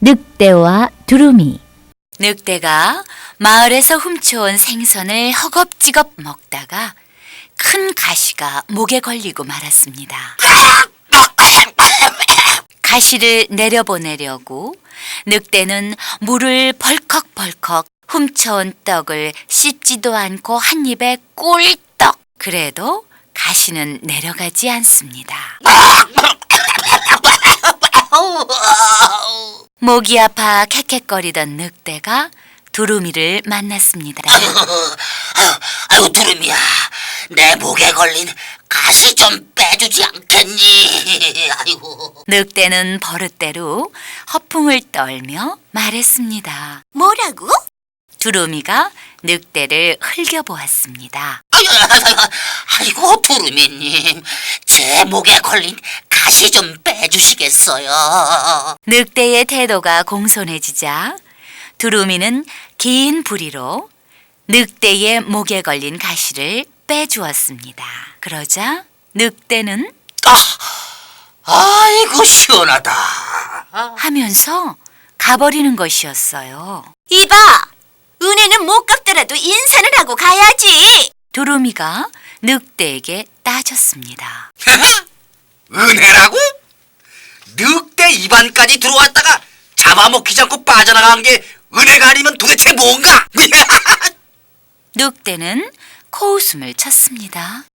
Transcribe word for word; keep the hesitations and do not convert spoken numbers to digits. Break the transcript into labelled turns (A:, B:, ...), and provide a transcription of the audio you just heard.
A: 늑대와 두루미.
B: 늑대가 마을에서 훔쳐온 생선을 허겁지겁 먹다가 큰 가시가 목에 걸리고 말았습니다. 가시를 내려보내려고 늑대는 물을 벌컥벌컥 훔쳐온 떡을 씻지도 않고 한 입에 꿀떡! 그래도 가시는 내려가지 않습니다. 목이 아파 캑캑거리던 늑대가 두루미를 만났습니다.
C: 아이고 두루미야, 내 목에 걸린 가시 좀 빼주지 않겠니? 아이고.
B: 늑대는 버릇대로 허풍을 떨며 말했습니다.
D: 뭐라고?
B: 두루미가 늑대를 흘겨보았습니다.
C: 아이고, 아이고 두루미님, 제 목에 걸린 가시 좀 빼주시겠어요?
B: 늑대의 태도가 공손해지자 두루미는 긴 부리로 늑대의 목에 걸린 가시를 빼주었습니다. 그러자 늑대는
C: 아, 아이고 시원하다.
B: 하면서 가버리는 것이었어요.
D: 이봐! 은혜는 못 갚더라도 인사는 하고 가야지!
B: 두루미가 늑대에게 따졌습니다.
C: 은혜라고? 늑대 입안까지 들어왔다가 잡아먹히지 않고 빠져나간 게 은혜가 아니면 도대체 뭔가?
B: 늑대는 코웃음을 쳤습니다.